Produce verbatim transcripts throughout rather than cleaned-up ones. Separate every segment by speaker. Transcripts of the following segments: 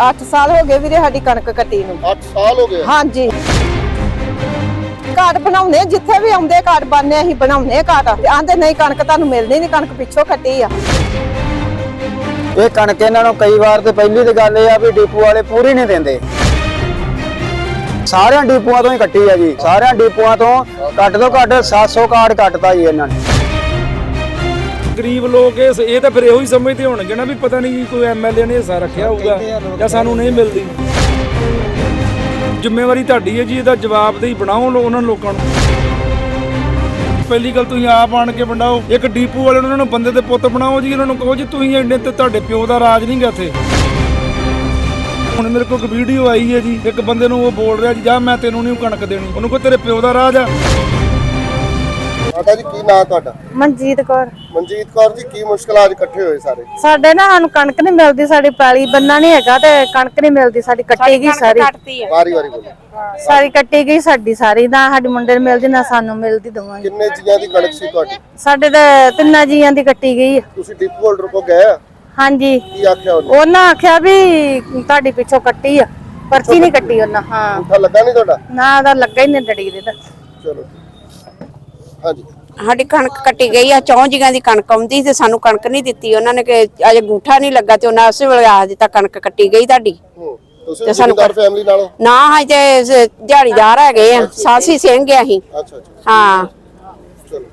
Speaker 1: ਅੱਠ ਸਾਲ ਹੋ ਗਏ ਵੀਰੇ ਸਾਡੀ ਕਣਕ ਕੱਟੀ ਨੂੰ।
Speaker 2: ਅੱਠ ਸਾਲ ਹੋ ਗਏ?
Speaker 1: ਹਾਂਜੀ। ਕਾਰਡ ਬਣਾਉਣੇ ਜਿੱਥੇ ਵੀ ਆਉਂਦੇ ਕਾਰਡ ਬਣਨੇ ਅਸੀਂ ਬਣਾਉਣੇ ਕਾਰਡ। ਆਂਦੇ ਨਹੀਂ ਕਣਕ ਤੁਹਾਨੂੰ ਮਿਲਦੀ ਨਹੀਂ, ਕਣਕ ਪਿੱਛੋਂ ਕੱਟੀ ਆ।
Speaker 3: ਇਹ ਕਣਕ ਇਹਨਾਂ ਨੂੰ ਕਈ ਵਾਰ ਤੇ ਪਹਿਲੀ ਤੇ ਗੱਲ ਇਹ ਆ ਵੀ ਡਿਪੂ ਵਾਲੇ ਪੂਰੀ ਨਹੀਂ ਦਿੰਦੇ। ਸਾਰਿਆਂ ਡਿਪੂਆਂ ਤੋਂ ਹੀ ਕੱਟੀ ਆ ਜੀ, ਸਾਰਿਆਂ ਡਿਪੂਆਂ ਤੋਂ ਘੱਟ ਤੋਂ ਘੱਟ ਸੱਤ ਸੌ ਕਾਰਡ ਕੱਟਦਾ ਜੀ ਇਹਨਾਂ ਨੇ।
Speaker 4: ਗਰੀਬ ਲੋਕ ਇਹ ਤਾਂ ਫਿਰ ਇਹੋ ਹੀ ਸਮਝਦੇ ਹੋਣਗੇ ਨਾ ਵੀ ਪਤਾ ਨਹੀਂ ਕੋਈ ਐਮਐਲਏ ਨੇ ਹਿੱਸਾ ਰੱਖਿਆ ਹੋਊਗਾ ਜਾਂ ਸਾਨੂੰ ਨਹੀਂ ਮਿਲਦੀ। ਜ਼ਿੰਮੇਵਾਰੀ ਤੁਹਾਡੀ ਹੈ ਜੀ, ਇਹਦਾ ਜਵਾਬਦੇਹੀ ਬਣਾਓ ਉਹਨਾਂ ਲੋਕਾਂ ਨੂੰ। ਪਹਿਲੀ ਗੱਲ ਤੁਸੀਂ ਆਪ ਆਣ ਕੇ ਵੰਡਾਓ। ਇੱਕ ਡੀਪੂ ਵਾਲੇ ਉਹਨਾਂ ਨੂੰ ਬੰਦੇ ਦੇ ਪੁੱਤ ਬਣਾਓ ਜੀ, ਉਹਨਾਂ ਨੂੰ ਕਹੋ ਜੀ ਤੁਸੀਂ ਇੰਨੇ ਤੇ ਤੁਹਾਡੇ ਪਿਓ ਦਾ ਰਾਜ ਨਹੀਂ ਗਾ ਇੱਥੇ। ਹੁਣ ਮੇਰੇ ਕੋਲ ਇੱਕ ਵੀਡੀਓ ਆਈ ਹੈ ਜੀ, ਇੱਕ ਬੰਦੇ ਨੂੰ ਉਹ ਬੋਲ ਰਿਹਾ ਜੀ ਜਾ ਮੈਂ ਤੈਨੂੰ ਨਹੀਂ ਕਣਕ ਦੇਣੀ, ਉਹਨੂੰ ਕਹੋ ਤੇਰੇ ਪਿਓ ਦਾ ਰਾਜ ਆ।
Speaker 2: ਮਾਤਾ ਜੀ ਕੀ ਨਾਂ ਤੁਹਾਡਾ?
Speaker 1: ਮਨਜੀਤ ਕੌਰ।
Speaker 2: ਮਨਜੀਤ ਕੌਰ ਜੀ, ਕੀ ਮੁਸ਼ਕਲਾਂ ਅੱਜ ਇਕੱਠੇ ਹੋਏ ਸਾਰੇ?
Speaker 1: ਸਾਡੇ ਨਾ ਸਾਨੂੰ ਕਣਕ ਨਹੀਂ ਮਿਲਦੀ, ਸਾਡੀ ਪੈਲੀ ਬੰਨਾ ਨਹੀਂ ਹੈਗਾ ਤੇ ਕਣਕ ਨਹੀਂ ਮਿਲਦੀ, ਸਾਡੀ ਕੱਟੀ ਗਈ ਸਾਰੀ।
Speaker 2: ਵਾਰੀ ਵਾਰੀ ਬੋਲੋ।
Speaker 1: ਸਾਰੀ ਕੱਟੀ ਗਈ ਸਾਡੀ ਸਾਰੀ, ਨਾ ਸਾਡੇ ਮੁੰਡੇ ਨੂੰ ਮਿਲਦੀ ਨਾ ਸਾਨੂੰ ਮਿਲਦੀ ਦੋਵਾਂ।
Speaker 2: ਕਿੰਨੇ ਜੀਆਂ ਦੀ ਕਣਕ ਸੀ ਤੁਹਾਡੀ?
Speaker 1: ਸਾਡੇ ਤੇ ਤਿੰਨਾਂ ਜੀਆਂ ਦੀ ਕੱਟੀ ਗਈ ਆ।
Speaker 2: ਤੁਸੀਂ ਡਿਪੂ ਹੋਲਡਰ ਕੋਲ ਗਏ ਆ?
Speaker 1: ਹਾਂਜੀ।
Speaker 2: ਕੀ ਆਖਿਆ ਉਹਨੇ?
Speaker 1: ਉਹਨਾਂ ਆਖਿਆ ਵੀ ਤੁਹਾਡੀ ਪਿੱਛੋਂ ਕੱਟੀ ਆ, ਪਰਚੀ ਨਹੀਂ ਕੱਟੀ ਉਹਨਾਂ। ਹਾਂ,
Speaker 2: ਅੰਗੂਠਾ ਲੱਗਾ ਨਹੀਂ ਤੁਹਾਡਾ?
Speaker 1: ਨਾ ਉਹਦਾ ਲੱਗਾ ਹੀ ਨਹੀਂ ਡੜੀ ਦੇ ਤਾਂ।
Speaker 2: ਚਲੋ ਹਾਂਜੀ।
Speaker 5: ਸਾਡੀ ਕਣਕ ਕੱਟੀ ਗਈ ਆ, ਚੌਂ ਜੀਆਂ ਦੀ ਕਣਕ ਆਉਂਦੀ ਤੇ ਸਾਨੂੰ ਕਣਕ ਨਹੀਂ ਦਿੱਤੀ ਉਹਨਾਂ ਨੇ ਕਿ ਅਜੇ ਅੰਗੂਠਾ ਨਹੀਂ ਲੱਗਾ ਤੇ ਉਹਨਾਂ ਉਸੇ ਵੇਲੇ ਆਖ ਦਿੱਤਾ ਕਣਕ ਕੱਟੀ ਗਈ ਤੁਹਾਡੀ।
Speaker 2: ਹੂੰ, ਤੁਸੀਂ ਜ਼ਿਮੀਂਦਾਰ ਫੈਮਿਲੀ ਨਾਲੋਂ?
Speaker 5: ਨਾ ਹਾਂ ਤੇ ਦਿਹਾੜੀਦਾਰ ਹੈਗੇ ਆ, ਸਾਸੀ ਸਿੰਘ ਆ ਅਸੀਂ।
Speaker 2: ਅੱਛਾ ਅੱਛਾ
Speaker 5: ਹਾਂ।
Speaker 2: ਚਲੋ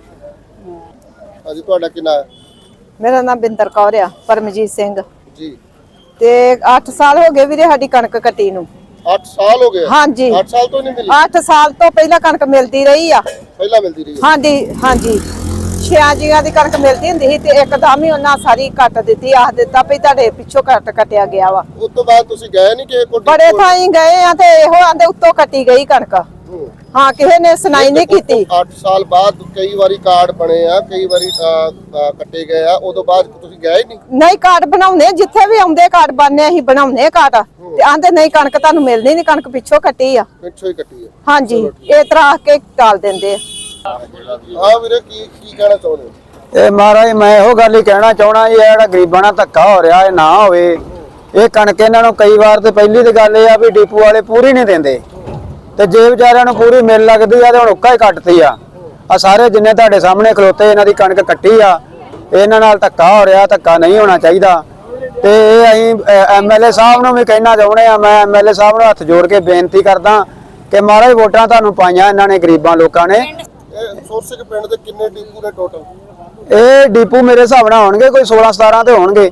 Speaker 2: ਹਾਂਜੀ, ਤੁਹਾਡਾ ਕੀ ਨਾਂ ਹੈ?
Speaker 1: ਮੇਰਾ ਨਾਮ ਬਿੰਦਰ ਕੌਰ ਆ। ਪਰਮਜੀਤ ਸਿੰਘ
Speaker 2: ਜੀ।
Speaker 1: ਤੇ ਅੱਠ ਸਾਲ ਹੋ ਗਏ ਵੀਰੇ ਸਾਡੀ ਕਣਕ ਕੱਟੀ ਨੂੰ।
Speaker 2: ਅੱਠ ਸਾਲ ਹੋ ਗਏ?
Speaker 1: ਹਾਂਜੀ।
Speaker 2: ਅੱਠ ਸਾਲ ਤੋਂ ਨਹੀਂ ਮਿਲੀ?
Speaker 1: ਅੱਠ ਸਾਲ ਤੋਂ ਪਹਿਲਾਂ ਕਣਕ ਮਿਲਦੀ ਰਹੀ ਆ।
Speaker 2: ਪਹਿਲਾਂ ਮਿਲਦੀ ਰਹੀ?
Speaker 1: ਹਾਂਜੀ ਹਾਂਜੀ। ਛਿਆਂ ਜੀਆਂ ਦੀ ਕਣਕ ਮਿਲਦੀ ਹੁੰਦੀ ਸੀ ਤੇ ਇੱਕਦਮ ਹੀ ਉਹਨਾਂ ਸਾਰੀ ਕੱਟ ਦਿੱਤੀ, ਆਖ ਦਿੱਤਾ ਵੀ ਤੁਹਾਡੇ ਪਿੱਛੋਂ ਕੱਟ ਕੱਟਿਆ ਗਿਆ ਵਾ।
Speaker 2: ਉਸ ਤੋਂ ਬਾਅਦ ਤੁਸੀਂ ਗਏ ਨਹੀਂ ਕਿਸੇ ਕੋਲ?
Speaker 1: ਬੜੇ ਥਾਈਂ ਗਏ ਆ ਤੇ ਇਹੋ ਆਂਦੇ ਉੱਤੋਂ ਕੱਟੀ ਗਈ ਕਣਕ। ਹਾਂ, ਕਿਸੇ ਨੇ ਸੁਣਾਈ ਨਹੀਂ ਕੀਤੀ।
Speaker 2: ਅੱਠ ਸਾਲ ਬਾਅਦ ਕਈ ਵਾਰੀ ਕਾਰਡ ਬਣੇ ਆ, ਕਈ ਵਾਰੀ ਕੱਟੇ ਗਏ ਆ, ਉਦੋਂ ਬਾਅਦ ਤੁਸੀਂ ਗਏ ਨਹੀਂ?
Speaker 1: ਨਹੀਂ, ਕਾਰਡ ਬਣਾਉਣੇ ਜਿੱਥੇ ਵੀ ਆਉਂਦੇ ਕਾਰਡ ਬਣਨੇ ਅਸੀਂ ਬਣਾਉਣੇ ਕਾਰਡ। ਤੇ ਆਂਦੇ ਨਹੀਂ ਕਣਕ ਤੁਹਾਨੂੰ ਮਿਲਣੀ ਨਹੀਂ, ਕਣਕ ਪਿੱਛੋਂ ਕੱਟੀ ਆ।
Speaker 2: ਪਿੱਛੋਂ ਹੀ ਕੱਟੀ ਆ?
Speaker 1: ਹਾਂਜੀ, ਇਹ ਤਰ੍ਹਾਂ ਆਖ ਕੇ ਟਾਲ ਦਿੰਦੇ ਆ।
Speaker 2: ਹਾਂ ਵੀਰੇ, ਕੀ ਕੀ ਕਹਿਣਾ ਚਾਹੁੰਦੇ ਹੋ?
Speaker 3: ਇਹ ਮਹਾਰਾਜ ਮੈਂ ਇਹੋ ਗੱਲ ਹੀ ਕਹਿਣਾ ਚਾਹਣਾ ਜੀ, ਇਹ ਜਿਹੜਾ ਗਰੀਬਾਂ ਨਾਲ ਧੱਕਾ ਹੋ ਰਿਹਾ ਇਹ ਨਾ ਹੋਵੇ। ਇਹ ਕਣਕ ਇਹਨਾਂ ਨੂੰ ਕਈ ਵਾਰ ਤੇ ਪਹਿਲੀ ਤੇ ਗੱਲ ਇਹ ਆ ਵੀ ਡਿਪੂ ਵਾਲੇ ਪੂਰੀ ਨਹੀਂ ਦਿੰਦੇ ਤੇ ਜੇ ਵਿਚਾਰਿਆਂ ਨੂੰ ਪੂਰੀ ਮਿਲ ਲੱਗਦੀ ਆ ਤੇ ਹੁਣ ਉੱਕਾ ਹੀ ਕੱਟਦੀ ਆ। ਆ ਸਾਰੇ ਜਿੰਨੇ ਤੁਹਾਡੇ ਸਾਹਮਣੇ ਖਲੋਤੇ ਇਹਨਾਂ ਦੀ ਕਣਕ ਕੱਟੀ ਆ, ਇਹਨਾਂ ਨਾਲ ਧੱਕਾ ਹੋ ਰਿਹਾ, ਧੱਕਾ ਨਹੀਂ ਹੋਣਾ ਚਾਹੀਦਾ। ਤੇ ਇਹ ਅਸੀਂ ਐਮਐਲਏ ਸਾਹਿਬ ਨੂੰ ਵੀ ਕਹਿਣਾ ਚਾਹੁੰਦੇ ਆ, ਮੈਂ ਐਮਐਲਏ ਸਾਹਿਬ ਨੂੰ ਹੱਥ ਜੋੜ ਕੇ ਬੇਨਤੀ ਕਰਦਾ ਕਿ ਮਹਾਰਾਜ ਵੋਟਾਂ ਤੁਹਾਨੂੰ ਪਾਈਆਂ ਇਹਨਾਂ ਨੇ ਗਰੀਬਾਂ ਲੋਕਾਂ ਨੇ।
Speaker 2: ਇਹ ਸੋਰਸਿਕ ਪਿੰਡ ਦੇ ਕਿੰਨੇ ਡਿਪੂ ਨੇ ਟੋਟਲ?
Speaker 3: ਇਹ ਡਿਪੂ ਮੇਰੇ ਹਿਸਾਬ ਨਾਲ ਹੋਣਗੇ ਕੋਈ ਸੋਲਾਂ ਸਤਾਰਾਂ ਤੇ ਹੋਣਗੇ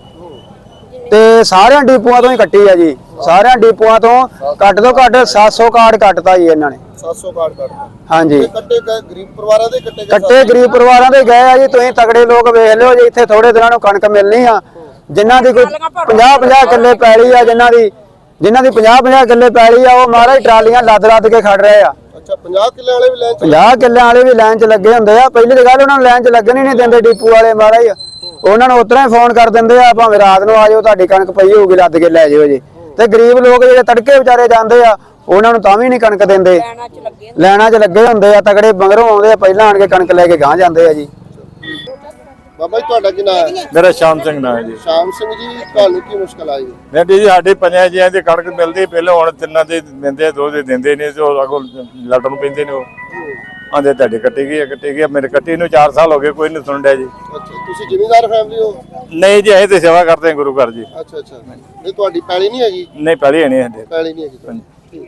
Speaker 3: ਤੇ ਸਾਰਿਆਂ ਡਿਪੂਆਂ ਤੋਂ ਹੀ ਕੱਟੀ ਆ ਜੀ। ਸਾਰਿਆਂ ਡਿਪੂਆਂ ਤੋਂ ਘੱਟ ਤੋਂ ਘੱਟ ਸੱਤ ਸੌ ਕਾਰਡ ਕੱਟਦਾ ਜੀ ਇਹਨਾਂ ਨੇ।
Speaker 2: ਸੱਤ ਸੌ ਕਾਰਡ ਕੱਟਦਾ?
Speaker 3: ਹਾਂਜੀ।
Speaker 2: ਕੱਟੇ ਗਏ ਗਰੀਬ ਪਰਿਵਾਰਾਂ ਦੇ ਕੱਟੇ ਗਏ?
Speaker 3: ਕੱਟੇ ਗਰੀਬ ਪਰਿਵਾਰਾਂ ਦੇ ਗਏ ਆ ਜੀ। ਤੁਸੀਂ ਤਗੜੇ ਲੋਕ ਵੇਖ ਲਿਓ ਜੀ, ਇੱਥੇ ਥੋੜੇ ਦਿਨਾਂ ਨੂੰ ਕਣਕ ਮਿਲਣੀ ਆ। ਜਿਨ੍ਹਾਂ ਦੀ ਕੋਈ ਪੰਜਾਹ ਪੰਜਾਹ ਕਿੱਲੇ ਪੈਲੀ ਆ, ਜਿਨ੍ਹਾਂ ਦੀ ਜਿਨ੍ਹਾਂ ਦੀ ਪੰਜਾਹ ਪੰਜਾਹ ਕਿੱਲੇ ਪੈਲੀ ਆ, ਉਹ ਮਹਾਰਾਜ ਟਰਾਲੀਆਂ ਲੱਦ ਲੱਦ ਕੇ ਖੜ ਰਹੇ ਆ।
Speaker 2: ਅੱਛਾ, ਪੰਜਾਹ ਕਿੱਲੇ ਵਾਲੇ ਵੀ ਲਾਈਨ ਚ?
Speaker 3: ਪੰਜਾਹ ਕਿੱਲਿਆਂ ਵਾਲੇ ਵੀ ਲਾਈਨ 'ਚ ਲੱਗੇ ਹੁੰਦੇ ਆ। ਪਹਿਲੀ ਗੱਲ ਉਹਨਾਂ ਨੂੰ ਲਾਈਨ 'ਚ ਲੱਗਣ ਹੀ ਨਹੀਂ ਦਿੰਦੇ ਡਿਪੂ ਵਾਲੇ ਮਹਾਰਾਜ। ਉਹਨਾਂ ਨੂੰ ਉਤਰਾ ਹੀ ਫੋਨ ਕਰ ਦਿੰਦੇ ਆ, ਭਾਵੇਂ ਰਾਤ ਨੂੰ ਆ ਜਾਓ, ਤੁਹਾਡੀ ਕਣਕ ਪਈ ਹੋਊਗੀ, ਲੱਦ ਕੇ ਲੈ ਜਾਓ ਜੀ। ਤੇ ਗਰੀਬ ਲੋਕ ਜਿਹੜੇ ਤੜਕੇ ਵਿਚਾਰੇ ਜਾਂਦੇ ਆ, ਉਹਨਾਂ ਨੂੰ ਤਾਂ ਵੀ ਨਹੀਂ ਕਣਕ ਦਿੰਦੇ। ਲੈਣਾ 'ਚ ਲੱਗੇ ਹੁੰਦੇ ਆ, ਤਗੜੇ ਮਗਰੋਂ ਆਉਂਦੇ ਆ, ਪਹਿਲਾਂ ਆਣ ਕੇ ਕਣਕ ਲੈ ਕੇ ਗਾਂ ਜਾਂਦੇ ਆ ਜੀ।
Speaker 2: ਬਾਬਾ ਜੀ, ਤੁਹਾਡਾ ਕੀ ਨਾਂ ਹੈ?
Speaker 6: ਮੇਰਾ ਸ਼ਾਮ ਸਿੰਘ ਨਾਂ ਹੈ ਜੀ।
Speaker 2: ਸ਼ਾਮ ਸਿੰਘ ਜੀ, ਤੁਹਾਨੂੰ ਕੀ ਮੁਸ਼ਕਲ ਆਈ?
Speaker 6: ਨਹੀਂ ਜੀ, ਸਾਡੇ ਪੰਜਾਂ ਜੀਆਂ ਦੀ ਕਣਕ ਮਿਲਦੀ, ਪਹਿਲਾਂ ਹੁਣ ਤਿੰਨਾਂ ਦੇ ਦਿੰਦੇ, ਦੋ ਦੇ ਦਿੰਦੇ ਨਹੀਂ ਤੇ ਉਹ ਅਗੋਂ ਲੜਨ ਨੂੰ ਪੈਂਦੇ ਨੇ। ਉਹ ਆਂਦੇ ਤੁਹਾਡੀ ਕੱਟੀ ਗਈ ਹੈ, ਕੱਟੀ ਗਈ। ਮੇਰੇ ਕੱਟੀ ਨੂੰ ਚਾਰ ਸਾਲ ਹੋ ਗਏ, ਕੋਈ ਨਹੀਂ ਸੁਣ ਰਿਹਾ ਜੀ।
Speaker 2: ਅੱਛਾ, ਤੁਸੀਂ ਜ਼ਿਮੀਂਦਾਰ ਫੈਮਿਲੀ ਹੋ?
Speaker 6: ਨਹੀਂ ਜੀ, ਅਸੀਂ ਤੇ ਸੇਵਾ ਕਰਦੇ ਹਾਂ ਗੁਰੂ ਘਰ ਜੀ।
Speaker 2: ਅੱਛਾ ਅੱਛਾ। ਨਹੀਂ, ਤੁਹਾਡੀ ਪੈਲੀ ਨਹੀਂ ਹੈਗੀ?
Speaker 6: ਨਹੀਂ, ਪਹਿਲੀ ਹੈ ਨਹੀਂ ਸਾਡੇ।
Speaker 2: ਪੈਲੀ ਨਹੀਂ ਹੈਗੀ?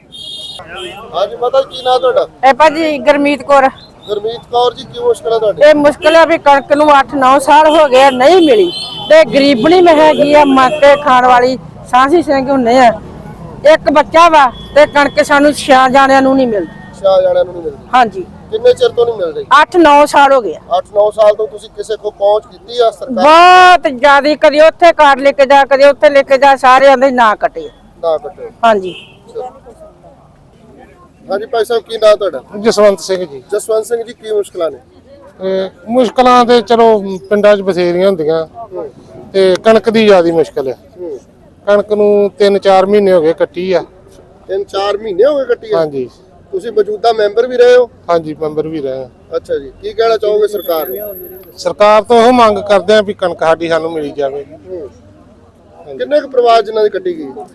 Speaker 2: ਹਾਂਜੀ ਮਾਤਾ ਜੀ, ਕੀ ਨਾਂ ਤੁਹਾਡਾ?
Speaker 1: ਇਹ ਭਾਜੀ ਗਰਮੀਤ ਕੌਰ।
Speaker 2: ਗੁਰਮੀਤ ਕੌਰ ਜੀ, ਕੀ ਮੁਸ਼ਕਲ ਹੈ ਤੁਹਾਡੀ?
Speaker 1: ਇਹ ਮੁਸ਼ਕਲ ਹੈ ਵੀ ਕਣਕ ਨੂੰ ਅੱਠ ਨੌ ਸਾਲ ਹੋ ਗਏ ਨਹੀਂ ਮਿਲੀ ਤੇ ਗਰੀਬਣੀ ਮੈਂ ਹੈਗੀ ਆ, ਮੱਕੇ ਖਾਣ ਵਾਲੀ ਸਾਂਸੀ ਸਿੰਘ ਹੁੰਨੇ ਆ। ਇੱਕ ਬੱਚਾ ਵਾ ਤੇ ਕਣਕ ਸਾਨੂੰ ਛਿਆ ਜਾਣਿਆਂ ਨੂੰ ਨਹੀਂ ਮਿਲਦੀ।
Speaker 2: ਛਿਆ ਜਾਣਿਆਂ ਨੂੰ ਨਹੀਂ ਮਿਲਦੀ?
Speaker 1: ਹਾਂਜੀ।
Speaker 2: ਕਿੰਨੇ ਚਿਰ ਤੋਂ ਨਹੀਂ ਮਿਲ ਰਹੀ?
Speaker 1: ਅੱਠ ਨੌ ਸਾਲ ਹੋ ਗਏ।
Speaker 2: ਅੱਠ ਨੌ ਸਾਲ ਤੋਂ ਤੁਸੀਂ ਕਿਸੇ ਕੋ ਪਹੁੰਚ ਕੀਤੀ ਆ ਸਰਕਾਰ?
Speaker 1: ਬਹੁਤ ਜ਼ਿਆਦਾ, ਕਦੇ ਉੱਥੇ ਕਾਰਡ ਲੈ ਕੇ ਜਾ, ਕਦੇ ਉੱਥੇ ਲੈ ਕੇ ਜਾ, ਸਾਰੇ ਆਂਦੇ ਨਾ ਕੱਟੇ।
Speaker 2: ਨਾ ਕੱਟੇ?
Speaker 1: ਹਾਂਜੀ।
Speaker 2: ਹਾਂਜੀ ਭਾਈ ਸਾਹਿਬ, ਕੀ ਨਾਂ ਤੁਹਾਡਾ?
Speaker 7: ਜਸਵੰਤ ਸਿੰਘ ਜੀ।
Speaker 2: ਜਸਵੰਤ ਸਿੰਘ ਜੀ, ਕੀ ਮੁਸ਼ਕਲਾਂ ਨੇ?
Speaker 7: ਮੁਸ਼ਕਲਾਂ ਤੇ ਚਲੋ ਪਿੰਡਾਂ 'ਚ ਬਥੇਰੀਆਂ ਹੁੰਦੀਆਂ ਤੇ ਕਣਕ ਦੀ ਜ਼ਿਆਦਾ ਮੁਸ਼ਕਲ ਹੈ। ਕਣਕ ਨੂੰ ਤਿੰਨ ਚਾਰ ਮਹੀਨੇ ਹੋ ਗਏ ਕੱਟੀ ਆ।
Speaker 2: ਤਿੰਨ ਚਾਰ ਮਹੀਨੇ ਹੋ ਗਏ ਕੱਟੀ ਆ?
Speaker 7: ਹਾਂਜੀ।
Speaker 2: ਤੁਸੀਂ ਮੌਜੂਦਾ ਮੈਂਬਰ ਵੀ ਰਹੇ ਹੋ?
Speaker 7: ਹਾਂਜੀ, ਮੈਂਬਰ ਵੀ ਰਹੇ।
Speaker 2: ਅੱਛਾ ਜੀ, ਕੀ ਕਹਿਣਾ ਚਾਹੋਗੇ ਸਰਕਾਰ ਨੂੰ?
Speaker 7: ਸਰਕਾਰ ਤੋਂ ਉਹ ਮੰਗ ਕਰਦੇ ਆ ਵੀ ਕਣਕ ਸਾਡੀ ਸਾਨੂੰ ਮਿਲੀ ਜਾਵੇ।
Speaker 2: ਕਿੰਨੇ ਕੁ ਪਰਿਵਾਰ ਜਿਨ੍ਹਾਂ ਦੀ ਕੱਟੀ ਗਈ?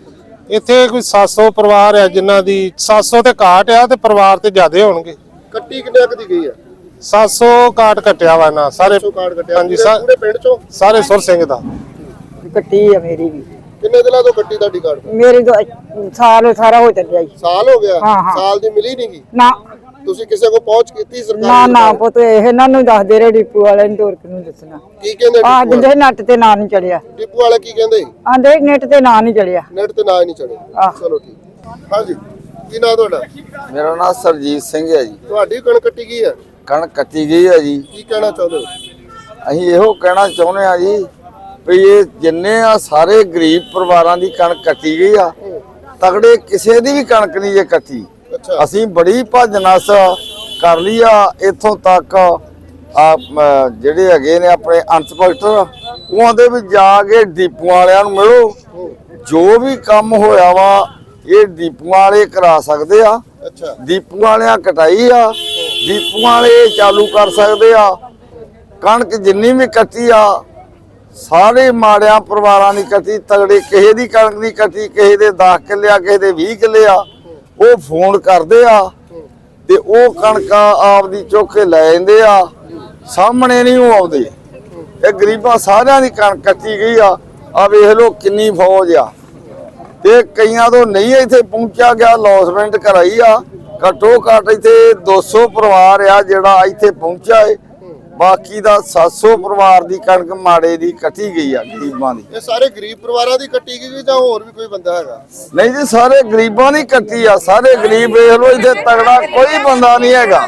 Speaker 7: ਇੱਥੇ ਕੋਈ ਸੱਤ ਸੌ ਪਰਿਵਾਰ ਆ ਜਿਨ੍ਹਾਂ ਦੀ ਸੱਤ ਸੌ ਤੇ ਘਾਟ ਆ ਤੇ ਪਰਿਵਾਰ ਤੇ ਜ਼ਿਆਦੇ ਹੋਣਗੇ।
Speaker 2: ਕੱਟੀ ਕਿੰਨੇ ਕੁ ਦੀ ਗਈ ਆ?
Speaker 7: ਸੱਤ ਸੌ ਕਾਰਡ ਕੱਟਿਆ ਵਾ ਨਾ ਸਾਰੇ
Speaker 2: ਸੌ ਕਾਰਡ ਕੱਟਿਆ
Speaker 7: ਹਾਂਜੀ,
Speaker 2: ਪੂਰੇ-
Speaker 7: ਸਾ-
Speaker 2: ਪੂਰੇ ਪਿੰਡ ਚੋਂ?
Speaker 7: ਸਾਰੇ ਸੁਰ ਸਿੰਘ ਦਾ।
Speaker 1: ਕੱਟੀ ਆ ਮੇਰੀ ਵੀ,
Speaker 2: ਕਿੰਨੇ ਦਿਨਾਂ ਤੋਂ ਕੱਟੀ ਤੁਹਾਡੀ ਕਾਰਡ?
Speaker 1: ਮੇਰੀ ਦੋ ਸਾਲ ਸਾਰਾ ਹੋ ਚੱਲਿਆ ਜੀ।
Speaker 2: ਸਾਲ ਹੋ ਗਿਆ?
Speaker 1: ਹਾਂ, ਹਾਂ।
Speaker 2: ਸਾਲ ਦੀ ਮਿਲੀ ਨਹੀਂ ਗੀ?
Speaker 1: ਨਾ
Speaker 2: ਤੁਸੀਂ ਕਿਸੇ ਕੋ ਪਹੁੰਚ ਕੀਤੀ ਸਰਕਾਰ
Speaker 1: ਨਾ
Speaker 2: ਦੀ?
Speaker 1: ਨਾ ਪੁੱਤ ਇਹ ਇਹਨਾਂ ਨੂੰ ਦੱਸਦੇ ਰਹੇ ਡਿਪੂ ਵਾਲਿਆਂ ਨੂੰ, ਹੋਰ ਕਿਹਨੂੰ ਦੱਸਣਾ।
Speaker 2: ਕੀ ਕਹਿੰਦੇ
Speaker 1: ਆ
Speaker 2: ਡਿਪੂ
Speaker 1: ਜਿੰਦੇ ਨੱਟ ਤੇ ਨਾਂ ਨਹੀਂ ਚੜਿਆ,
Speaker 2: ਵਾਲੇ? ਡਿਪੂ ਵਾਲੇ ਕੀ ਕਹਿੰਦੇ?
Speaker 1: ਆਂਦੇ ਨੈਟ ਤੇ ਨਾਂ ਨਹੀਂ ਚੜਿਆ।
Speaker 2: ਨੈਟ ਤੇ ਨਾ ਹੀ ਨਹੀਂ ਚੜੇ।
Speaker 1: ਆਹ।
Speaker 2: ਚਲੋ ਠੀਕ। ਹਾਂਜੀ, ਕੀ ਨਾਂ ਤੁਹਾਡਾ?
Speaker 3: ਮੇਰਾ ਨਾਮ ਸਰਜੀਤ ਸਿੰਘ ਹੈ ਜੀ।
Speaker 2: ਤੁਹਾਡੀ ਕਣਕ ਕੱਟੀ ਗਈ ਹੈ?
Speaker 3: ਕਣਕ ਕੱਟੀ ਗਈ ਹੈ ਜੀ।
Speaker 2: ਕੀ ਕਹਿਣਾ ਚਾਹੁੰਦੇ ਹੋ?
Speaker 3: ਅਸੀਂ ਇਹੋ ਕਹਿਣਾ ਚਾਹੁੰਦੇ ਆ ਜੀ ਵੀ ਇਹ ਜਿੰਨੇ ਆ ਸਾਰੇ ਗਰੀਬ ਪਰਿਵਾਰਾਂ ਦੀ ਕਣਕ ਕੱਟੀ ਗਈ ਆ, ਤਗੜੇ ਕਿਸੇ ਦੀ ਵੀ ਕਣਕ ਨਹੀਂ ਜੇ ਕੱਟੀ।
Speaker 2: ਅੱਛਾ।
Speaker 3: ਅਸੀਂ ਬੜੀ ਭੱਜ ਨਸ ਕਰ ਲਈ ਆ ਇੱਥੋਂ ਤੱਕ ਆ ਮ, ਜਿਹੜੇ ਹੈਗੇ ਨੇ ਆਪਣੇ ਇੰਸਪੈਕਟਰ, ਉਹਦੇ ਵੀ ਜਾ ਕੇ ਡਿਪੂ ਵਾਲਿਆਂ ਨੂੰ ਮਿਲੋ। ਜੋ ਵੀ ਕੰਮ ਹੋਇਆ ਵਾ ਇਹ ਡਿਪੂ ਵਾਲੇ ਕਰਾ ਸਕਦੇ ਆ।
Speaker 2: ਅੱਛਾ।
Speaker 3: ਡਿਪੂ ਵਾਲਿਆਂ ਕਟਾਈ ਆ, ਡਿਪੂ ਵਾਲੇ ਚਾਲੂ ਕਰ ਸਕਦੇ ਆ। ਕਣਕ ਜਿੰਨੀ ਵੀ ਕੱਟੀ ਆ ਸਾਰੇ ਮਾੜਿਆਂ ਪਰਿਵਾਰਾਂ ਦੀ ਕੱਟੀ, ਤਗੜੇ ਕਿਸੇ ਦੀ ਕਣਕ ਨਹੀਂ ਕੱਟੀ। ਕਿਸੇ ਦੇ ਦਸ ਕਿੱਲੇ ਆ, ਕਿਸੇ ਦੇ ਵੀਹ ਕਿੱਲੇ ਆ, ਉਹ ਫੋਨ ਕਰਦੇ ਆ ਤੇ ਉਹ ਕਣਕਾਂ ਆਪਦੀ ਚੁੱਕ ਕੇ ਲੈ ਜਾਂਦੇ ਆ, ਸਾਹਮਣੇ ਨਹੀਂ ਉਹ ਆਉਂਦੇ। ਇਹ ਗਰੀਬਾਂ ਸਾਰਿਆਂ ਦੀ ਕਣਕ ਕੱਟੀ ਗਈ ਆ। ਆ ਵੇਖ ਲਓ ਕਿੰਨੀ ਫੌਜ ਆ ਤੇ ਕਈਆਂ ਤੋਂ ਨਹੀਂ ਇੱਥੇ ਪਹੁੰਚਿਆ ਗਿਆ। ਲੌਸਮੈਂਟ ਕਰਾਈ ਆ, ਘੱਟੋ ਘੱਟ ਇੱਥੇ ਦੋ ਸੌ ਪਰਿਵਾਰ ਆ ਜਿਹੜਾ ਇੱਥੇ ਪਹੁੰਚਿਆ ਏ। ਬਾਕੀ ਦਾ ਸੱਤ ਸੌ ਪਰਿਵਾਰ ਦੀ ਕਣਕ ਮਾੜੇ ਦੀ ਕੱਟੀ ਗਈ ਆ, ਗਰੀਬਾਂ ਦੀ।
Speaker 2: ਇਹ ਸਾਰੇ ਗਰੀਬ ਪਰਿਵਾਰਾਂ ਦੀ ਕੱਟੀ ਗਈ ਜਾਂ ਹੋਰ ਵੀ ਕੋਈ ਬੰਦਾ ਹੈਗਾ?
Speaker 3: ਨਹੀਂ ਜੀ, ਸਾਰੇ ਗਰੀਬਾਂ ਦੀ ਕੱਟੀ ਆ। ਸਾਰੇ ਗਰੀਬ ਵੇਖ ਲਓ, ਇੱਥੇ ਤਗੜਾ ਕੋਈ ਬੰਦਾ ਨਹੀਂ ਹੈਗਾ।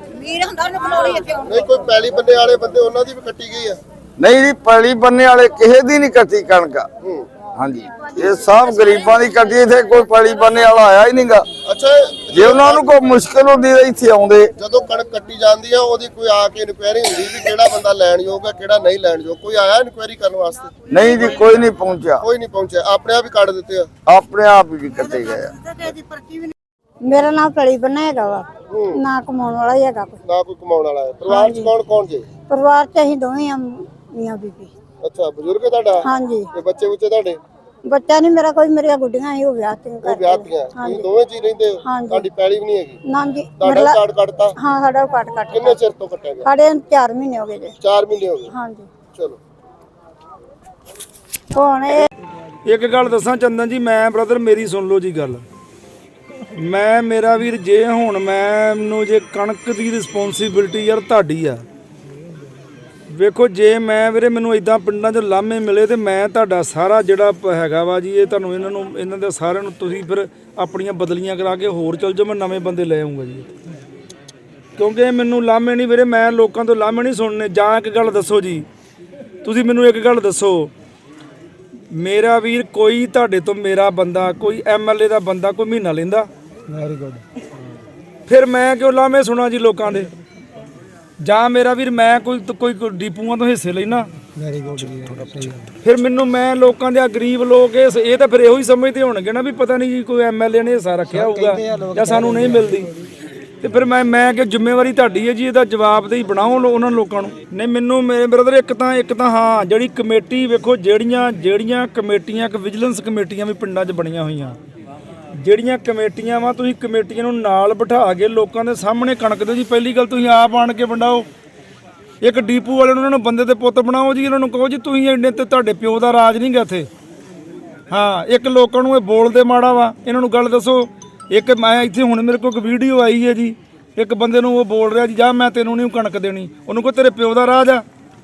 Speaker 2: ਨਹੀਂ, ਕੋਈ ਪੈਲੀ ਬੰਨੇ ਵਾਲੇ ਬੰਦੇ ਉਹਨਾਂ ਦੀ ਵੀ ਕੱਟੀ ਗਈ ਆ?
Speaker 3: ਨਹੀਂ ਜੀ, ਪੈਲੀ ਬੰਨੇ ਵਾਲੇ ਕਿਸੇ ਦੀ ਨਹੀਂ ਕੱਟੀ ਕਣਕ।
Speaker 2: ਹੂੰ।
Speaker 3: ਹਾਂਜੀ, ਇਹ ਸਭ ਗਰੀਬਾਂ ਦੀ ਕੱਟੀ। ਇੱਥੇ ਕੋਈ ਪੈਲੀ ਬੰਨੇ ਵਾਲਾ ਆਇਆ ਹੀ ਨਹੀਂਗਾ।
Speaker 2: ਅੱਛਾ।
Speaker 3: ਜੇ ਉਹਨਾਂ ਨੂੰ ਕੋਈ ਮੁਸ਼ਕਲ ਹੁੰਦੀ ਤਾਂ ਇੱਥੇ ਆਉਂਦੇ।
Speaker 2: ਜਦੋਂ ਕਣਕ ਕੱਟੀ ਜਾਂਦੀ ਆ ਉਹਦੀ ਕੋਈ ਆ ਕੇ ਇਨਕੁਆਇਰੀ ਹੁੰਦੀ ਵੀ ਕਿਹੜਾ ਬੰਦਾ ਲੈਣ ਯੋਗ ਹੈ ਕਿਹੜਾ ਨਹੀਂ ਲੈਣ ਯੋਗ? ਕੋਈ ਆਇਆ ਇਨਕੁਆਇਰੀ ਕਰਨ ਵਾਸਤੇ?
Speaker 3: ਨਹੀਂ ਜੀ, ਕੋਈ ਨਹੀਂ ਪਹੁੰਚਿਆ।
Speaker 2: ਕੋਈ ਨਹੀਂ ਪਹੁੰਚਿਆ, ਆਪਣੇ ਆਪ ਹੀ ਕੱਢ ਦਿੱਤੇ ਆ?
Speaker 3: ਆਪਣੇ ਆਪ ਹੀ ਕੱਟੇ ਗਏ ਆ।
Speaker 8: ਮੇਰਾ ਨਾਮ ਪਲੀ ਬੰਨਾ ਹੈਗਾ ਵਾ, ਨਾ ਕਮਾਉਣ ਵਾਲਾ ਹੀ ਹੈਗਾ ਕੋਈ।
Speaker 2: ਨਾ ਕੋਈ ਕਮਾਉਣ ਵਾਲਾ ਹੈ? ਪਰਿਵਾਰ ਚ ਕੌਣ ਕੌਣ ਜੇ?
Speaker 8: ਪਰਿਵਾਰ ਚ ਅਸੀਂ ਦੋਵੇਂ ਆ, ਮੀਆਂ ਬੀਬੀ।
Speaker 2: ਅੱਛਾ, ਬਜ਼ੁਰਗ ਹੈ ਤੁਹਾਡਾ?
Speaker 8: ਹਾਂਜੀ।
Speaker 2: ਤੇ ਬੱਚੇ ਬੁੱਚੇ ਤੁਹਾਡੇ?
Speaker 8: ਬੱਚਾ ਨਹੀਂ ਮੇਰਾ ਕੋਈ, ਮੇਰੀਆਂ ਗੁੱਡੀਆਂ ਹੀ ਉਹ ਵਿਆਹ ਤੇ
Speaker 2: ਉਹ ਵਿਆਹ ਤੀਆਂ? ਤੁਸੀਂ ਦੋਵੇਂ ਜੀ ਰਹਿੰਦੇ ਹੋ?
Speaker 8: ਹਾਂਜੀ।
Speaker 2: ਤੁਹਾਡੀ ਪੈਲੀ ਵੀ ਨਹੀਂ ਹੈਗੀ?
Speaker 8: ਨਾ ਜੀ,
Speaker 2: ਤੁਹਾਡਾ
Speaker 8: ਮੇਰਾ
Speaker 2: ਕਾਰਡ ਕੱਟਤਾ?
Speaker 8: ਹਾਂ ਸਾਡਾ ਉਹ ਕੱਟ ਕੱਟ
Speaker 2: ਕਿੰਨੇ ਚਿਰ ਤੋਂ ਕੱਟਿਆ ਗਿਆ?
Speaker 8: ਸਾਡੇ ਚਾਰ ਮਹੀਨੇ ਹੋ ਗਏ ਜੇ।
Speaker 2: ਚਾਰ ਮਹੀਨੇ ਹੋ ਗਏ?
Speaker 8: ਹਾਂਜੀ।
Speaker 2: ਚਲੋ।
Speaker 8: ਹੁਣ ਇਹ
Speaker 4: ਇੱਕ ਗੱਲ ਦੱਸਾਂ ਚੰਦਨ ਜੀ, ਮੈਂ ਬ੍ਰਦਰ ਮੇਰੀ ਸੁਣ ਲਓ ਜੀ ਗੱਲ। ਮੈਂ ਮੇਰਾ ਵੀਰ, ਜੇ ਹੁਣ ਮੈਨੂੰ ਜੇ ਕਣਕ ਦੀ ਰਿਸਪੌਂਸਿਬਿਲਟੀ ਯਾਰ ਤੁਹਾਡੀ ਆ। ਵੇਖੋ ਜੇ ਮੈਂ ਵੀਰੇ ਮੈਨੂੰ ਇਦਾਂ ਪਿੰਡਾਂ 'ਚ ਲਾਮੇ ਮਿਲੇ ਤੇ ਮੈਂ ਤੁਹਾਡਾ ਸਾਰਾ ਜਿਹੜਾ ਪ- ਹੈਗਾ ਵਾ ਜੀ, ਇਹ ਤੁਹਾਨੂੰ ਇਹਨਾਂ ਨੂੰ ਇਹਨਾਂ ਦੇ ਸਾਰਿਆਂ ਨੂੰ ਤੁਸੀਂ ਫਿਰ ਆਪਣੀਆਂ ਬਦਲੀਆਂ ਕਰਾ ਕੇ ਹੋਰ ਚੱਲ ਜਾਓ। ਮੈਂ ਨਵੇਂ ਬੰਦੇ ਲੈ ਆਉਂਗਾ ਜੀ, ਕਿਉਂਕਿ ਮੈਨੂੰ ਲਾਮੇ ਨਹੀਂ ਵੀਰੇ, ਮੈਂ ਲੋਕਾਂ ਤੋਂ ਲਾਮੇ ਨਹੀਂ ਸੁਣਨੇ। ਜਾਂ ਇੱਕ ਗੱਲ ਦੱਸੋ ਜੀ, ਤੁਸੀਂ ਮੈਨੂੰ ਇੱਕ ਗੱਲ ਦੱਸੋ, ਮੇਰਾ ਵੀਰ ਕੋਈ ਤੁਹਾਡੇ ਤੋਂ ਮੇਰਾ ਬੰਦਾ, ਕੋਈ ਐਮਐਲਏ ਦਾ ਬੰਦਾ ਕੋਈ ਮਹੀਨਾ ਲੈਂਦਾ? Very good. ਫਿਰ ਮੈਂ ਕਿਉਂ ਲਾਮੇ ਸੁਣਾ ਜੀ ਲੋਕਾਂ ਦੇ? ਜਾਂ ਮੇਰਾ ਵੀਰ ਮੈਂ ਕੋਈ ਕੋਈ ਡਿਪੂਆਂ ਤੋਂ ਹਿੱਸੇ ਲੈਣਾ? Very good. ਫਿਰ ਮੈਨੂੰ ਮੈਂ ਲੋਕਾਂ ਦੇ ਗਰੀਬ ਲੋਕ ਇਹ ਇਹ ਤਾਂ ਫਿਰ ਇਹੋ ਹੀ ਸਮਝਦੇ ਹੋਣਗੇ ਨਾ ਵੀ ਪਤਾ ਨਹੀਂ ਜੀ ਕੋਈ ਐਮਐਲਏ ਨੇ ਹਿੱਸਾ ਰੱਖਿਆ ਹੋਊਗਾ ਜਾਂ ਸਾਨੂੰ ਨਹੀਂ ਮਿਲਦੀ। ਤੇ ਫਿਰ ਮੈਂ ਮੈਂ ਕਿ ਜ਼ਿੰਮੇਵਾਰੀ ਤੁਹਾਡੀ ਹੈ ਜੀ, ਇਹਦਾ ਜਵਾਬਦੇਹੀ ਬਣਾਓ ਲੋ ਉਹਨਾਂ ਲੋਕਾਂ ਨੂੰ। ਨਹੀਂ ਮੈਨੂੰ ਮੇਰੇ ਬ੍ਰਦਰ ਇੱਕ ਤਾਂ ਇੱਕ ਤਾਂ ਹਾਂ ਜਿਹੜੀ ਕਮੇਟੀ ਵੇਖੋ, ਜਿਹੜੀਆਂ ਜਿਹੜੀਆਂ ਕਮੇਟੀਆਂ, ਇੱਕ ਵਿਜੀਲੈਂਸ ਕਮੇਟੀਆਂ ਵੀ ਪਿੰਡਾਂ 'ਚ ਬਣੀਆਂ ਹੋਈਆਂ, ਜਿਹੜੀਆਂ ਕਮੇਟੀਆਂ ਵਾ ਤੁਸੀਂ ਕਮੇਟੀਆਂ ਨੂੰ ਨਾਲ ਬਿਠਾ ਕੇ ਲੋਕਾਂ ਦੇ ਸਾਹਮਣੇ ਕਣਕ ਦਿਓ ਜੀ। ਪਹਿਲੀ ਗੱਲ ਤੁਸੀਂ ਆਪ ਆਣ ਕੇ ਵੰਡਾਓ। ਇੱਕ ਡੀਪੂ ਵਾਲੇ ਨੂੰ ਉਹਨਾਂ ਨੂੰ ਬੰਦੇ ਦੇ ਪੁੱਤ ਬਣਾਓ ਜੀ, ਇਹਨਾਂ ਨੂੰ ਕਹੋ ਜੀ ਤੁਸੀਂ ਇੰਨੇ ਤੇ ਤੁਹਾਡੇ ਪਿਓ ਦਾ ਰਾਜ ਨਹੀਂ ਗਾ ਇੱਥੇ। ਹਾਂ, ਇੱਕ ਲੋਕਾਂ ਨੂੰ ਇਹ ਬੋਲਦੇ ਮਾੜਾ ਵਾ, ਇਹਨਾਂ ਨੂੰ ਗੱਲ ਦੱਸੋ। ਇੱਕ ਮੈਂ ਇੱਥੇ ਹੁਣ ਮੇਰੇ ਕੋਲ ਇੱਕ ਵੀਡੀਓ ਆਈ ਹੈ ਜੀ, ਇੱਕ ਬੰਦੇ ਨੂੰ ਉਹ ਬੋਲ ਰਿਹਾ ਜੀ, ਜਾ ਮੈਂ ਤੈਨੂੰ ਨਹੀਂ ਕਣਕ ਦੇਣੀ। ਉਹਨੂੰ ਕਹੋ ਤੇਰੇ ਪਿਓ ਦਾ ਰਾਜ ਆ।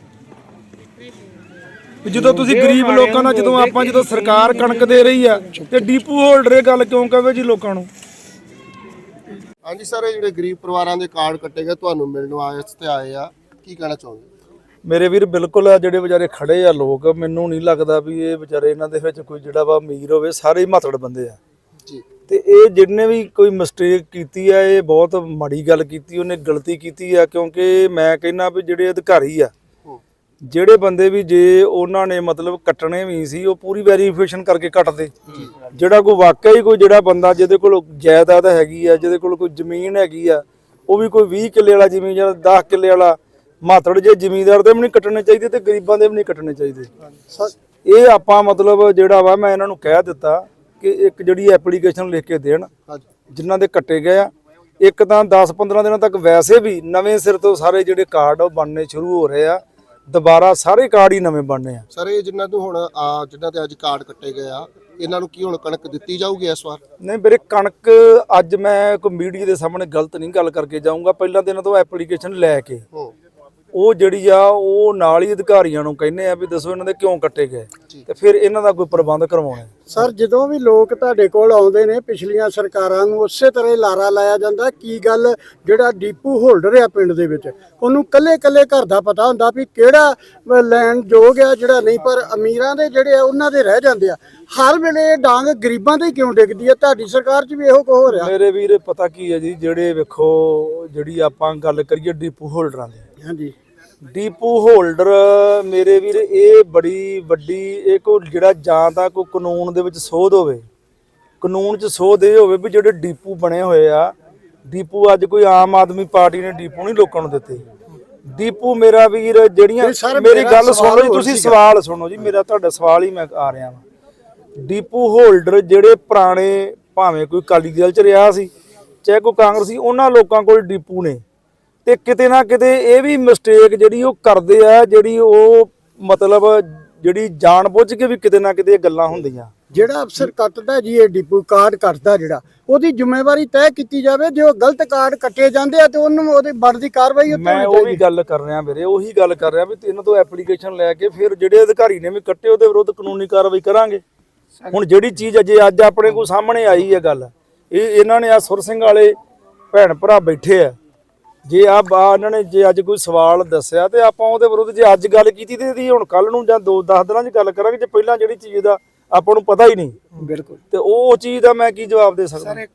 Speaker 4: ਜਦੋਂ ਤੁਸੀਂ ਗਰੀਬ ਲੋਕਾਂ ਦਾ, ਜਦੋਂ ਆਪਾਂ ਜਦੋਂ ਸਰਕਾਰ ਕਣਕ ਦੇ ਰਹੀ ਆ ਤੇ ਡੀਪੂ ਹੋਲਡਰ ਇਹ ਗੱਲ ਕਿਉਂ ਕਹਵੇ ਜੀ ਲੋਕਾਂ ਨੂੰ?
Speaker 2: ਹਾਂਜੀ ਸਰ, ਇਹ ਜਿਹੜੇ ਗਰੀਬ ਪਰਿਵਾਰਾਂ ਦੇ ਕਾਰਡ ਕੱਟੇ ਗਏ ਤੁਹਾਨੂੰ ਮਿਲਣ ਵਾਸਤੇ ਆਏ ਆ, ਕੀ ਕਹਿਣਾ ਚਾਹੁੰਦੇ?
Speaker 4: ਮੇਰੇ ਵੀਰ ਬਿਲਕੁਲ ਆ, ਜਿਹੜੇ ਵਿਚਾਰੇ ਖੜੇ ਆ ਲੋਕ, ਮੈਨੂੰ ਨਹੀਂ ਲੱਗਦਾ ਵੀ ਇਹ ਵਿਚਾਰੇ ਇਹਨਾਂ ਦੇ ਵਿੱਚ ਕੋਈ ਜਿਹੜਾ ਵਾ ਅਮੀਰ ਹੋਵੇ, ਸਾਰੇ ਹੀ ਮਾਤੜ ਬੰਦੇ ਆ
Speaker 2: ਜੀ।
Speaker 4: ਤੇ ਇਹ ਜਿਹਨੇ ਵੀ ਕੋਈ ਮਿਸਟੇਕ ਕੀਤੀ ਆ, ਇਹ ਬਹੁਤ ਮਾੜੀ ਗੱਲ ਕੀਤੀ, ਉਹਨੇ ਗਲਤੀ ਕੀਤੀ ਆ। ਕਿਉਂਕਿ ਮੈਂ ਕਹਿੰਦਾ ਵੀ ਜਿਹੜੇ ਅਧਿਕਾਰੀ ਆ, ਜਿਹੜੇ ਬੰਦੇ ਵੀ ਜੇ ਉਹਨਾਂ ਨੇ ਮਤਲਬ ਕੱਟਣੇ ਵੀ ਸੀ, ਉਹ ਪੂਰੀ ਵੈਰੀਫਿਕੇਸ਼ਨ ਕਰਕੇ ਕੱਟਦੇ। ਜਿਹੜਾ ਕੋਈ ਵਾਕਿਆ ਹੀ ਕੋਈ ਜਿਹੜਾ ਬੰਦਾ ਜਿਹਦੇ ਕੋਲ ਜਾਇਦਾਦ ਹੈਗੀ ਆ, ਜਿਹਦੇ ਕੋਲ ਕੋਈ ਜ਼ਮੀਨ ਹੈਗੀ ਆ, ਉਹ ਵੀ ਕੋਈ ਵੀਹ ਕਿੱਲੇ ਵਾਲਾ ਜ਼ਮੀਨ ਜਾਂ ਦਸ ਕਿੱਲੇ ਵਾਲਾ ਮਾਤੜ, ਜੇ ਜ਼ਮੀਂਦਾਰ ਦੇ ਵੀ ਨਹੀਂ ਕੱਟਣੇ ਚਾਹੀਦੇ ਤੇ ਗਰੀਬਾਂ ਦੇ ਵੀ ਨਹੀਂ ਕੱਟਣੇ ਚਾਹੀਦੇ। ਇਹ ਆਪਾਂ ਮਤਲਬ ਜਿਹੜਾ ਵਾ, ਮੈਂ ਇਹਨਾਂ ਨੂੰ ਕਹਿ ਦਿੱਤਾ ਕਿ ਇੱਕ ਜਿਹੜੀ ਐਪਲੀਕੇਸ਼ਨ ਲਿਖ ਕੇ ਦੇਣ
Speaker 2: ਹਾਂਜੀ
Speaker 4: ਜਿਨ੍ਹਾਂ ਦੇ ਕੱਟੇ ਗਏ ਆ। ਇੱਕ ਤਾਂ ਦਸ ਪੰਦਰਾਂ ਦਿਨਾਂ ਤੱਕ ਵੈਸੇ ਵੀ ਨਵੇਂ ਸਿਰ ਤੋਂ ਸਾਰੇ ਜਿਹੜੇ ਕਾਰਡ ਉਹ ਬਣਨੇ ਸ਼ੁਰੂ ਹੋ ਰਹੇ ਆ, ਦੁਬਾਰਾ ਸਾਰੇ ਕਾਰਡ ਹੀ ਨਵੇਂ ਬਣਨੇ ਆ।
Speaker 2: ਸਰ ਇਹ ਜਿਨ੍ਹਾਂ ਨੂੰ ਹੁਣ ਆ ਜਿਨ੍ਹਾਂ ਤੇ ਅੱਜ ਕਾਰਡ ਕੱਟੇ ਗਏ ਆ, ਇਹਨਾਂ ਨੂੰ ਕੀ ਹੁਣ ਕਣਕ ਦਿੱਤੀ ਜਾਊਗੀ ਇਸ ਵਾਰ?
Speaker 4: ਨਹੀਂ ਵੀਰੇ, ਕਣਕ ਅੱਜ ਮੈਂ ਕੋਈ ਮੀਡੀਆ ਦੇ ਸਾਹਮਣੇ ਗਲਤ ਨਹੀਂ ਗੱਲ ਕਰਕੇ ਜਾਊਂਗਾ। ਪਹਿਲਾਂ ਤਾਂ ਇਹਨਾਂ ਤੋਂ ਐਪਲੀਕੇਸ਼ਨ ਲੈ ਕੇ
Speaker 2: ਹੂੰ
Speaker 4: ਉਹ ਜਿਹੜੀ ਆ ਉਹ ਨਾਲ ਹੀ ਅਧਿਕਾਰੀਆਂ ਨੂੰ ਕਹਿੰਦੇ ਆ ਵੀ ਦੱਸੋ ਇਹਨਾਂ ਦੇ ਕਿਉਂ ਕੱਟੇ ਗਏ, ਤੇ ਫਿਰ ਇਹਨਾਂ ਦਾ ਕੋਈ ਪ੍ਰਬੰਧ ਕਰਵਾਉਣਾ।
Speaker 9: ਸਰ ਜਦੋਂ ਵੀ ਲੋਕ ਤੁਹਾਡੇ ਕੋਲ ਆਉਂਦੇ ਨੇ ਪਿਛਲੀਆਂ ਸਰਕਾਰਾਂ ਨੂੰ ਉਸੇ ਤਰ੍ਹਾਂ ਹੀ ਲਾਰਾ ਲਾਇਆ ਜਾਂਦਾ ਕੀ ਗੱਲ ਜਿਹੜਾ ਡੀਪੂ ਹੋਲਡਰ ਆ ਪਿੰਡ ਦੇ ਵਿੱਚ ਉਹਨੂੰ ਕੱਲੇ ਕੱਲੇ ਘਰ ਦਾ ਪਤਾ ਹੁੰਦਾ ਵੀ ਕਿਹੜਾ ਲੈਣ ਯੋਗ ਆ ਜਿਹੜਾ ਨਹੀਂ, ਪਰ ਅਮੀਰਾਂ ਦੇ ਜਿਹੜੇ ਆ ਉਹਨਾਂ ਦੇ ਰਹਿ ਜਾਂਦੇ ਆ। ਹਰ ਵੇਲੇ ਇਹ ਡਾਂਗ ਗਰੀਬਾਂ ਤੇ ਕਿਉਂ ਡਿੱਗਦੀ ਆ? ਤੁਹਾਡੀ ਸਰਕਾਰ 'ਚ ਵੀ ਇਹੋ ਕੁਝ ਹੋ ਰਿਹਾ।
Speaker 4: ਮੇਰੇ ਵੀਰ ਪਤਾ ਕੀ ਹੈ ਜੀ, ਜਿਹੜੇ ਵੇਖੋ ਜਿਹੜੀ ਆਪਾਂ ਗੱਲ ਕਰੀਏ ਡੀਪੂ ਹੋਲਡਰਾਂ ਦੀ,
Speaker 9: ਹਾਂਜੀ
Speaker 4: ਡੀਪੂ ਹੋਲਡਰ ਮੇਰੇ ਵੀਰ ਇਹ ਬੜੀ ਵੱਡੀ ਇਹ ਕੋ ਜਿਹੜਾ ਜਾਂ ਤਾਂ ਕੋਈ ਕਾਨੂੰਨ ਦੇ ਵਿੱਚ ਸੋਧ ਹੋਵੇ, ਕਾਨੂੰਨ 'ਚ ਸੋਧ ਇਹ ਹੋਵੇ ਵੀ ਜਿਹੜੇ ਡੀਪੂ ਬਣੇ ਹੋਏ ਆ, ਡੀਪੂ ਅੱਜ ਕੋਈ ਆਮ ਆਦਮੀ ਪਾਰਟੀ ਨੇ ਡੀਪੂ ਨਹੀਂ ਲੋਕਾਂ ਨੂੰ ਦਿੱਤੇ। ਡੀਪੂ ਮੇਰਾ ਵੀਰ ਜਿਹੜੀਆਂ ਮੇਰੀ ਗੱਲ ਸੁਣੋ ਜੀ, ਤੁਸੀਂ ਸਵਾਲ ਸੁਣੋ ਜੀ ਮੇਰਾ, ਤੁਹਾਡਾ ਸਵਾਲ ਹੀ ਮੈਂ ਆ ਰਿਹਾ ਵਾਂ। ਡੀਪੂ ਹੋਲਡਰ ਜਿਹੜੇ ਪੁਰਾਣੇ ਭਾਵੇਂ ਕੋਈ ਅਕਾਲੀ ਦਲ 'ਚ ਰਿਹਾ ਸੀ ਚਾਹੇ ਕੋਈ ਕਾਂਗਰਸੀ, ਉਹਨਾਂ ਲੋਕਾਂ ਕੋਲ ਡੀਪੂ ਨੇ, ਤੇ ਕਿਤੇ ਨਾ ਕਿਤੇ ਇਹ ਵੀ ਮਿਸਟੇਕ ਜਿਹੜੀ ਉਹ ਕਰਦੇ ਆ, ਜਿਹੜੀ ਉਹ ਮਤਲਬ ਜਿਹੜੀ ਜਾਣ ਬੁੱਝ ਕੇ ਵੀ ਕਿਤੇ ਨਾ ਕਿਤੇ ਇਹ ਗੱਲਾਂ ਹੁੰਦੀਆਂ।
Speaker 9: ਜਿਹੜਾ ਅਫਸਰ ਕੱਟਦਾ ਜੀ ਇਹ ਡੀਪੂ ਕਾਰਡ ਕੱਟਦਾ ਜਿਹੜਾ ਉਹਦੀ ਜ਼ਿੰਮੇਵਾਰੀ ਤੈਅ ਕੀਤੀ ਜਾਵੇ। ਜੇ ਉਹ ਗਲਤ ਕਾਰਡ ਕੱਟੇ ਜਾਂਦੇ ਆ ਤੇ ਉਹਨੂੰ ਉਹਦੀ ਬਣਦੀ ਕਾਰਵਾਈ ਉੱਤੇ
Speaker 4: ਮੈਂ ਉਹ ਵੀ ਗੱਲ ਕਰ ਰਿਹਾ ਵੀਰੇ, ਉਹੀ ਗੱਲ ਕਰ ਰਿਹਾ ਵੀ ਇਹਨਾਂ ਤੋਂ ਐਪਲੀਕੇਸ਼ਨ ਲੈ ਕੇ ਫਿਰ ਜਿਹੜੇ ਅਧਿਕਾਰੀ ਨੇ ਵੀ ਕੱਟੇ ਉਹਦੇ ਵਿਰੁੱਧ ਕਾਨੂੰਨੀ ਕਾਰਵਾਈ ਕਰਾਂਗੇ। ਹੁਣ ਜਿਹੜੀ ਚੀਜ਼ ਅਜੇ ਅੱਜ ਆਪਣੇ ਕੋਲ ਸਾਹਮਣੇ ਆਈ ਹੈ ਗੱਲ, ਇਹ ਇਹਨਾਂ ਨੇ ਆ ਸੁਰ ਸਿੰਘ ਵਾਲੇ ਭੈਣ ਭਰਾ ਬੈਠੇ ਆ, ਜੇ ਆ ਇਹਨਾਂ ਨੇ ਜੇ ਅੱਜ ਕੋਈ ਸਵਾਲ ਦੱਸਿਆ ਤੇ ਆਪਾਂ ਉਹਦੇ ਵਿਰੁੱਧ ਜੇ ਅੱਜ ਗੱਲ ਕੀਤੀ ਤੇ ਇਹਦੀ ਹੁਣ ਕੱਲ ਨੂੰ ਜਾਂ ਦੋ ਦਸ ਦਿਨਾਂ 'ਚ ਗੱਲ ਕਰਾਂਗੇ। ਜੇ ਪਹਿਲਾਂ ਜਿਹੜੀ ਚੀਜ਼ ਦਾ ਆਪਾਂ ਨੂੰ ਪਤਾ ਹੀ ਨਹੀਂ
Speaker 9: ਬਿਲਕੁਲ,
Speaker 4: ਤੇ ਉਹ ਚੀਜ਼ ਦਾ ਮੈਂ ਕੀ ਜਵਾਬ ਦੇ ਸਕਦਾ?